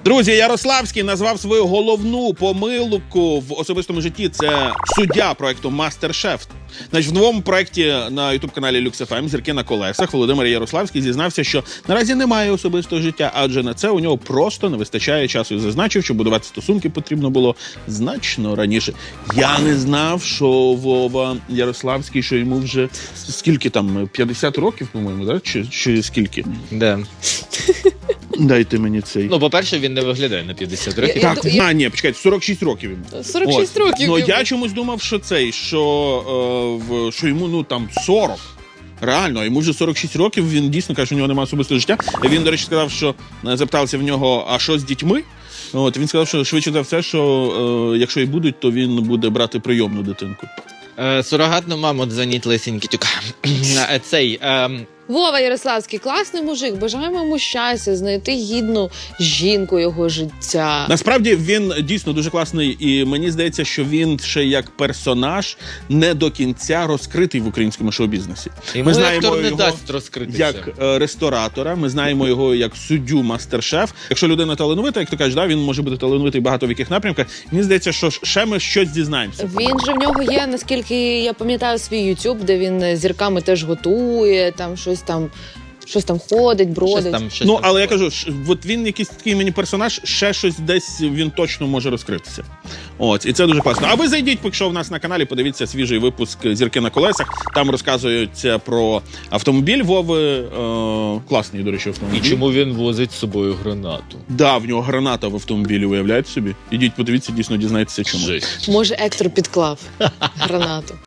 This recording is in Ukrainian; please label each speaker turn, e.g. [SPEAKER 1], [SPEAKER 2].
[SPEAKER 1] Друзі, Ярославський назвав свою головну помилку в особистому житті. Це суддя проекту «Мастер-шеф». Значить, в новому проєкті на ютуб-каналі Lux.FM «Зірки на колесах» Володимир Ярославський зізнався, що наразі немає особистого життя, адже на це у нього просто не вистачає часу. І зазначив, що будувати стосунки потрібно було значно раніше. Я не знав, що Вова Ярославський, що йому вже скільки там, 50 років, по-моєму, да? Чи скільки?
[SPEAKER 2] Да.
[SPEAKER 1] Дайте мені цей.
[SPEAKER 2] Ну, по-перше, він не виглядає на 50 років.
[SPEAKER 1] Так, ні, почекайте, 46 років йому.
[SPEAKER 3] 46 років.
[SPEAKER 1] Ну,
[SPEAKER 3] йому.
[SPEAKER 1] я чомусь думав, що цей, що йому, ну, там, 40. Реально, йому вже 46 років, він дійсно каже, що у нього немає особистого життя. Він, до речі, сказав, що запитався в нього, а що з дітьми? Він сказав, що швидше за все, що якщо і будуть, то він буде брати прийомну дитинку.
[SPEAKER 2] Сурогатну маму дзвонить лисенький. Цей...
[SPEAKER 3] Вова Ярославський, класний мужик, бажаємо йому щастя, знайти гідну жінку його життя.
[SPEAKER 1] Насправді він дійсно дуже класний, і мені здається, що він ще як персонаж не до кінця розкритий в українському шоу-бізнесі.
[SPEAKER 2] Йому актор не дасть розкритися.
[SPEAKER 1] Як ресторатора, ми знаємо його як суддю «Мастер-шеф». Якщо людина талановита, як ти кажеш, да, він може бути талановитий багато в яких напрямках. Мені здається, що ще ми щось дізнаємося.
[SPEAKER 3] Він же в нього є, наскільки я пам'ятаю, свій YouTube, де він зірками теж готує, там щось там ходить, бродить.
[SPEAKER 1] Але я кажу, от він якийсь такий мені персонаж, ще щось десь він точно може розкритися. І це дуже класно. А ви зайдіть, поки що в нас на каналі, подивіться свіжий випуск «Зірки на колесах». Там розказується про автомобіль Вови. Класний, до речі, автомобіль.
[SPEAKER 2] І чому він возить з собою гранату?
[SPEAKER 1] Да, в нього граната в автомобілі, уявляєте собі? Ідіть, подивіться, дійсно дізнайтеся, чому.
[SPEAKER 2] Жесть.
[SPEAKER 3] Може, Ектор підклав гранату.